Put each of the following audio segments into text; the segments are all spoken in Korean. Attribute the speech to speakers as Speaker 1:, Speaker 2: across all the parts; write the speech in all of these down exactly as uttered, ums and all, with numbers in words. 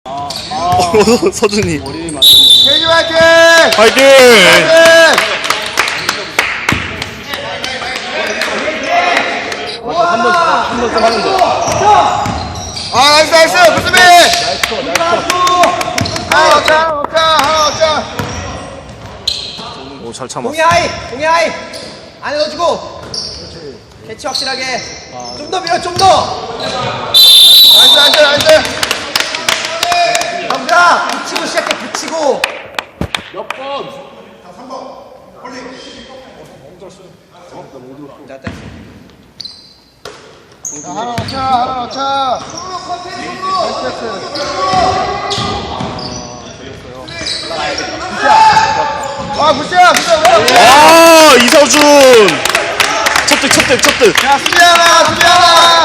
Speaker 1: 아, 아.
Speaker 2: 어, 서준이.
Speaker 1: 머리 맞았네.
Speaker 3: 케이지 화이팅!
Speaker 2: 화이팅!
Speaker 1: 한번 한번 좀 하는 거.
Speaker 3: 아 나이스 나이스 구수비!
Speaker 1: 나이스 컷, 나이스 컷.
Speaker 3: 하나 넣자 넣자 하나 넣자.
Speaker 2: 오, 잘 참았어.
Speaker 4: 공이 하이! 공이 하이! 안에 넣어주고! 캐치 확실하게! 좀 더 밀어, 좀 더!
Speaker 3: 나이스 나이스 나이스.
Speaker 4: 감자! 붙이고 시작해, 붙이고!
Speaker 1: 몇 번?
Speaker 4: 자, 땡.
Speaker 3: 자, 하나 넣자 하나 넣자. 아 굿이야 굿이야 굿이야.
Speaker 2: 아, 이서준! 첫득, 첫득, 첫득.
Speaker 3: 자 수비 하나 수비 하나.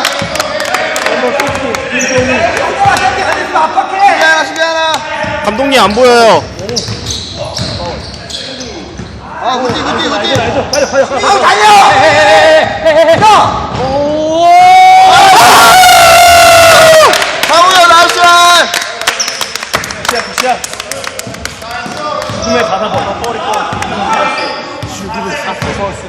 Speaker 3: 수비 하나 수비 하나.
Speaker 2: 감독님 안 보여요.
Speaker 3: 아 굿이 굿이 굿이.
Speaker 4: 아우, 달려! 형!
Speaker 3: 강우야 나이스.
Speaker 1: 굿샷, 굿샷. 숨에 가사 벗어, 꼬리 꼬. 슈기를 샀어, 서스.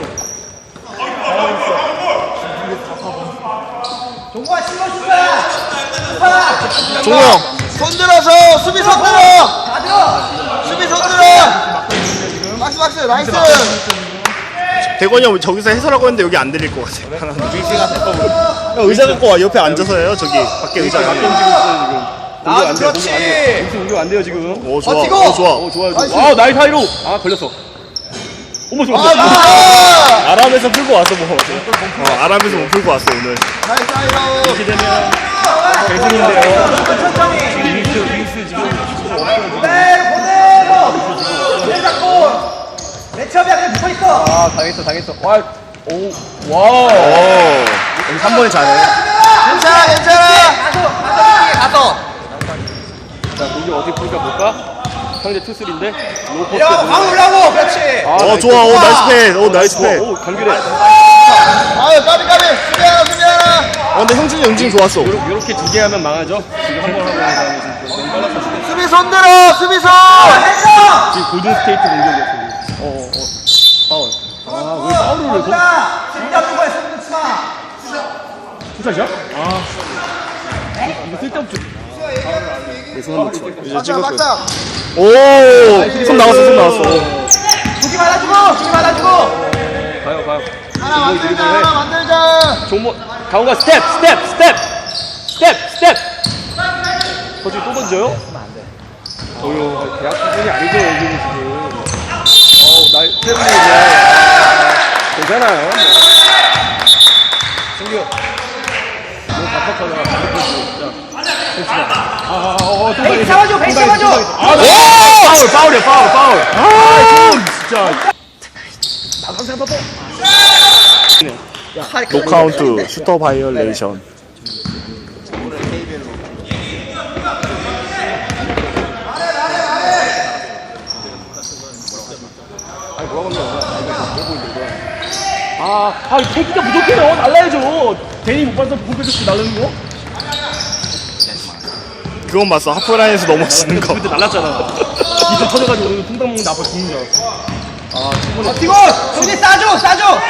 Speaker 4: 종구가 실어준다! 파!
Speaker 2: 종호 형.
Speaker 3: 손 들어서 수비 손 들어.
Speaker 4: 다 들어!
Speaker 3: 수비 손 들어. 박스 박스 나이스.
Speaker 2: 대건이 형 저기서 해설하고 했는데 여기 안 들릴 것 같아. 형, 의자 갖고 와. 옆에 앉아서 해요. 저기 밖에 의자
Speaker 1: 밖에
Speaker 2: 갖고.
Speaker 1: 움직이고 있어요, 지금.
Speaker 4: 아, 그렇지!
Speaker 1: 여기서 옮기면 안 돼요, 지금.
Speaker 2: 오, 좋아.
Speaker 4: 버티고!
Speaker 2: 오, 좋아.
Speaker 1: 오, 좋아요,
Speaker 3: 나이스.
Speaker 1: 좋아. 아, 나이스 하이로! 아, 걸렸어. 어머, 좋아.
Speaker 3: 아 좋아.
Speaker 2: 아람에서 풀고 왔어, 뭐. 어, 아람에서 못 풀고 왔어, 오늘.
Speaker 3: 나이스 아이라우.
Speaker 1: 이렇게 되면 대승인데요.
Speaker 4: 천천히!
Speaker 1: 윙스, 윙스 지금.
Speaker 4: 그대로, 그대로! 내 잡고! 내 첩이야, 그냥 붙어있어!
Speaker 1: 아, 당했어, 당했어. 와, 오, 와우.
Speaker 2: 오, 여기 한 번에 잘해.
Speaker 3: 괜찮아 괜찮아.
Speaker 4: 가서! 가서! 가서!
Speaker 1: 자, 공격 어떻게 풀까 볼까? 상대 투슬인데 로포트.
Speaker 4: 내려가고, 가고 올라오고! 그렇지!
Speaker 1: 아,
Speaker 2: 어, 좋아. 오, 나이스 패. 오, 나이스 패.
Speaker 1: 오, 간결해.
Speaker 3: 아유 까비 까비 수비 하나 수비 하나.
Speaker 2: 어, 근데 형준이 응징 좋았어.
Speaker 1: 요렇게, 요렇게 두 개 하면 망하죠? 지금 한 번 하고 난 다음에 지금 너무 빨랐어, 지금.
Speaker 3: 수비 손 들어 수비 손.
Speaker 4: 했어!
Speaker 1: 지금 골든 스테이트 공격이었어. 어, 어, 어. 파울. 아, 왜 파울을 왜 거?
Speaker 4: 자! 진잡는 거야, 손 놓지 마!
Speaker 1: 투샷이야? 아. 이거 쓸데없죠. 내손 한번 쳐.
Speaker 2: 이제
Speaker 3: 맞다
Speaker 2: 찍었어.
Speaker 3: 맞다.
Speaker 2: 오, 손 나왔어, 손 나왔어.
Speaker 4: 두기 받아주고! 두기 받아주고!
Speaker 1: 가요, 가요.
Speaker 3: 하나
Speaker 1: 종목이
Speaker 3: 만들자
Speaker 1: 드리블 해.
Speaker 3: 하나 만들자.
Speaker 1: 종목, 강호가 스텝, 스텝, 스텝! 스텝, 스텝! 거기 또 던져요? 어휴, 대학 수준이 아니죠, 여기는 지금. 어우, 날, 때문에 괜찮아요. 뭐. 승규. 너무 답답하잖아. 진짜. 아, 아, 어, 어, 또
Speaker 4: 베이스
Speaker 1: 당했어.
Speaker 4: 잡아줘,
Speaker 1: 또
Speaker 4: 베이스
Speaker 1: 당했어,
Speaker 4: 잡아줘.
Speaker 1: 또 당했어. 아, 나 파울, 파울이야, 파울, 파울. 아, 진짜. 나가서 한번 더.
Speaker 2: 노카운트, 슈터 바이올레이션.
Speaker 1: 아니, 뭐라고 하는 거야? 아, 아, 태기가 부족해요. 날라야죠. 괜히 못 봐서 볼 뺏었지, 날르는 거?
Speaker 2: 그건 봤어. 하프라인에서 넘어지는 거.
Speaker 1: 그때 날랐잖아. 이제 터져가지고 오늘 통닭 먹는데 앞에 죽는 줄 알았어. 아, 충분히.
Speaker 4: 버티고! 동네 싸줘! 싸줘!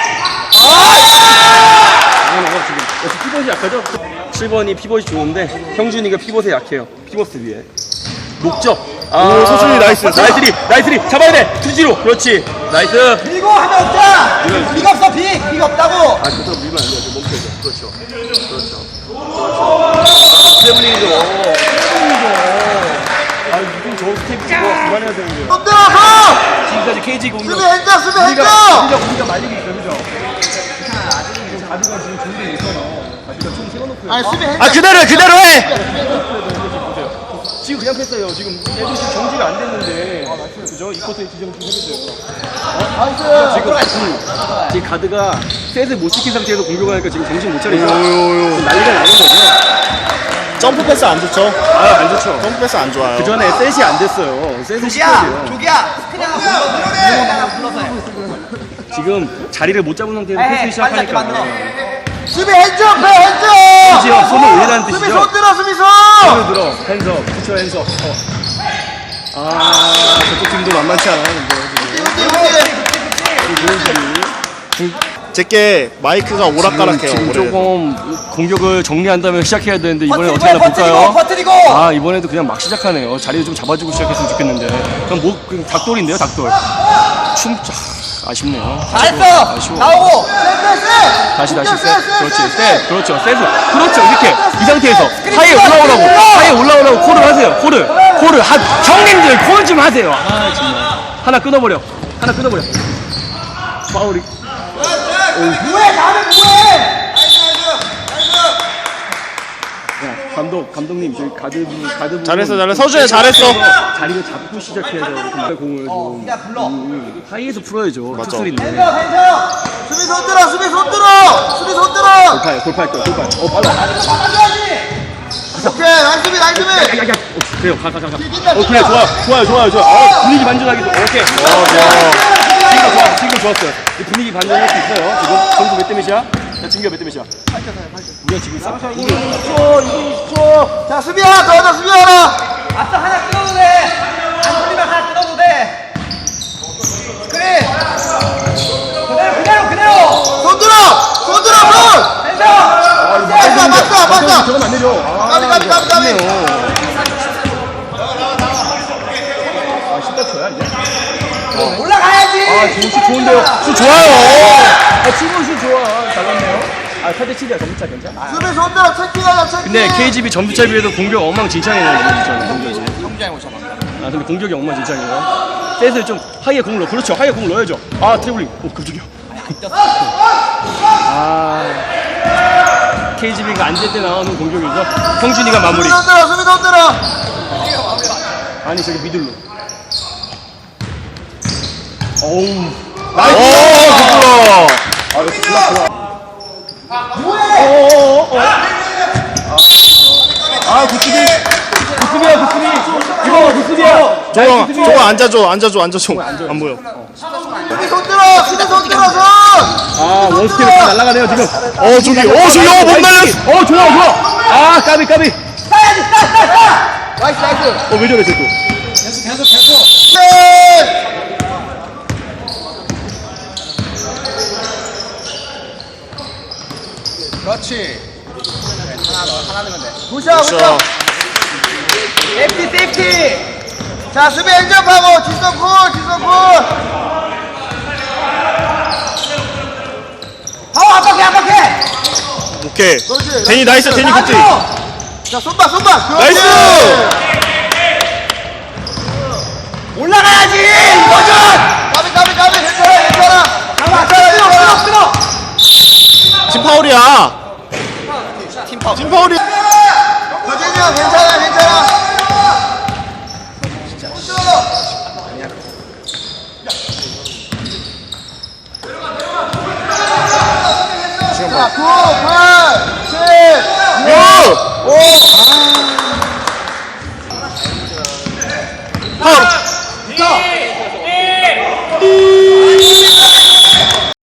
Speaker 1: 이거는 뭐 지금 역시 피벗이 약하죠? 칠 번이 피벗이 좋은데 형준이가 피벗에 약해요. 피벗 위에. 목적. 아,
Speaker 2: 오, 서준이 나이스.
Speaker 1: 나이스리, 나이스리. 잡아야 돼. 투지로. 그렇지. 나이스.
Speaker 4: 밀고 하면 없자! 빅 없어, 빅! 빅 없다고!
Speaker 1: 아, 그대로 밀면 안 돼요. 저 멈춰야죠. 그렇죠. 그렇죠. 그렇죠. 세븐이죠. 세븐이죠. 아, 이건 저 스텝 이거 그만해야 되는데요.
Speaker 3: 손 들어서.
Speaker 1: 지금까지 케이지 공격.
Speaker 3: 수비 행자 수비
Speaker 1: 우리가
Speaker 3: 행자.
Speaker 1: 우리가 우리가 말리고 있어, 그죠? 지금 가드가 지금 준비 있어요. 가드가 총 세워놓고.
Speaker 3: 아니 수비 행자.
Speaker 2: 아, 그대로 해, 그대로 해!
Speaker 1: 지금 그냥 패스예요. 지금 애들이 지금 정지가 안 됐는데. 그죠? 이 코스에 지정 좀 해주세요.
Speaker 3: 나이스.
Speaker 1: 지금 지금 가드가 셋을 못 지킨 상태에서 공격을 하니까 지금 정신 못 차리죠.
Speaker 2: 요요요.
Speaker 1: 지금 난리가 나는 거죠.
Speaker 2: 점프 패스 안 좋죠?
Speaker 1: 아, 안 좋죠.
Speaker 2: 점프 패스 안 좋아요.
Speaker 1: 그 전에 셋이 안 됐어요. 셋을 시켜야
Speaker 4: 조기야!
Speaker 1: 돼요.
Speaker 4: 조기야! 스크린 하나 불러서 해! 하나 불러서 해!
Speaker 1: 지금 자리를 못 잡은 상태에서
Speaker 4: 에이,
Speaker 1: 패스
Speaker 4: 빨리 잡게
Speaker 1: 시작하니까.
Speaker 4: 만들어.
Speaker 3: 수비 핸즈업 해 핸즈업
Speaker 1: 지요 손을 올리라는
Speaker 3: 수비
Speaker 1: 뜻이죠.
Speaker 3: 손 들어 수비 손
Speaker 1: 손을 들어. 핸섬. 붙여 핸섬. 어. 아 저쪽 팀도 만만치 않아요. 근데
Speaker 3: 훈디 훈디
Speaker 1: 지금
Speaker 2: 제게 마이크가 오락가락해요.
Speaker 1: 지금
Speaker 2: 올해.
Speaker 1: 조금 공격을 정리한 다음에 시작해야 되는데 이번에
Speaker 4: 버티고
Speaker 1: 어떻게 하나
Speaker 4: 버티고
Speaker 1: 볼까요?
Speaker 4: 버티고
Speaker 1: 아 이번에도 그냥 막 시작하네요. 자리를 좀 잡아주고 시작했으면 좋겠는데 그럼 뭐 그냥 닭돌인데요 닭돌. 춤 아, 아쉽네요.
Speaker 4: 잘했어
Speaker 1: 아쉬워.
Speaker 4: 나오고
Speaker 1: 다시 다시 세. 그렇지 세. 그렇죠 세서. 그렇죠 이렇게 이 상태에서 하이에 올라오라고 하이에 올라오라고 콜을 하세요. 콜을 콜을 하 형님들 콜 좀 하세요. 아 정말 하나 끊어버려. 하나 끊어버려. 파울이.
Speaker 4: 뭐해 나는 뭐해
Speaker 1: 야, 감독, 감독님, 저희 가드, 가드.
Speaker 2: 잘했어, 잘했어. 서준야, 잘했어.
Speaker 1: 자리를 잡고 시작해야죠. 이렇게 공을 좀.
Speaker 4: 그냥 불러
Speaker 1: 음, 하이에서 풀어야죠. 툭소리인데.
Speaker 4: 괜찮아 괜찮아
Speaker 3: 수비 손 들어 수비 손 들어 수비 손 들어
Speaker 1: 골파요, 골파할 거야, 골파. 어, 빨라.
Speaker 4: 막아줘야지
Speaker 3: 오케이 나이스 수비 나이스 수비
Speaker 1: 야, 야, 야. 어, 그래요, 가, 가, 가. 가. 어, 그래, 좋아, 좋아요, 좋아요, 좋아. 어, 분위기 반전하기 좋아. 오케이. 어, 좋아. 지금 좋아, 지금 좋았어요. 이 분위기 반전할 수 있어요. 지금 점수 몇 대 몇이야? 야, 진규야 몇대 몇이야? 우리가 지금 싹.
Speaker 3: 이분 이십 초 이분 이십 초 자 수비 하나 더 하자 수비 하나
Speaker 4: 아싸 하나 끊어도 돼안 걸리면 하나 끊어도 돼 그래 그대로 그대로 그대로
Speaker 3: 손 들어 손 들어 손
Speaker 4: 핸드
Speaker 3: 맞다 맞다 맞다
Speaker 1: 저건 안 되죠. 아,
Speaker 3: 까비 까비 까비 까비
Speaker 1: 아, 십다 초야, 이제?
Speaker 4: 올라가야지
Speaker 1: 아, 지금 슛 좋은데요? 슛 좋아요! 아, 지금 슛 좋아. 잘났네요. 아, 팔 대 칠이야, 점수차 괜찮아?
Speaker 3: 수비 손 들어 체킹하자 체킹
Speaker 1: 근데 케이지비 점수차 비해도 공격 엉망진창이네요, 지금 진짜 공격이. 아, 근데 공격이 엉망진창이에요. 셋을 좀 하이에 공을 넣어. 그렇죠, 하이에 공을 넣어야죠. 아, 트래블링. 오, 깜짝이야. 아, 케이지비가 안 될 때 나오는 공격이죠. 성준이가 마무리.
Speaker 3: 수비 손 들어 수비 손 들어
Speaker 1: 아니, 저기 미들로. 어우.
Speaker 2: 나이스! 오, 부끄러워.
Speaker 1: 아, 이거 좋아, 좋아. 아, 구스비! 구스비야, 구스비! 이거 구스비야!
Speaker 2: 저거, 저거 앉아줘, 앉아줘, 앉아줘. 안 보여.
Speaker 3: 수비 손 들어 수비 손 들어 손
Speaker 1: 아, 원스텝이 다 날아가네요, 지금.
Speaker 2: 어, 저기, 어, 저기, 어, 못 날렸어.
Speaker 1: 어, 좋아, 좋아! 아, 까비, 까비!
Speaker 4: 따야지 따 따 따
Speaker 3: 나이스 나이스
Speaker 1: 어, 왜 저래, 쟤 또?
Speaker 3: 네
Speaker 4: 그렇지 하나 넣어 하나 넣으면 돼
Speaker 3: 굿샷
Speaker 2: 그렇죠.
Speaker 3: 굿샷
Speaker 4: 세이프티 세이프티
Speaker 3: 자 수비 행정하고 뒷선 콜 뒷선 콜
Speaker 4: 파워 압박해 압박해
Speaker 2: 오케이.
Speaker 3: 그렇지
Speaker 2: 데니 나이스, 데니 굿지.
Speaker 3: 자 손봐 손봐
Speaker 2: 나이스!
Speaker 4: 올라가야지 이거죠
Speaker 3: 까비 까비 까비 괜찮아 괜찮아
Speaker 4: 잡아 끊어 끊어 끊어
Speaker 2: 팀 파울이야. 팀 파울. 팀 파울이야.
Speaker 3: 도진이 형 괜찮아 괜찮아 자 구, 팔, 칠, 육, 오,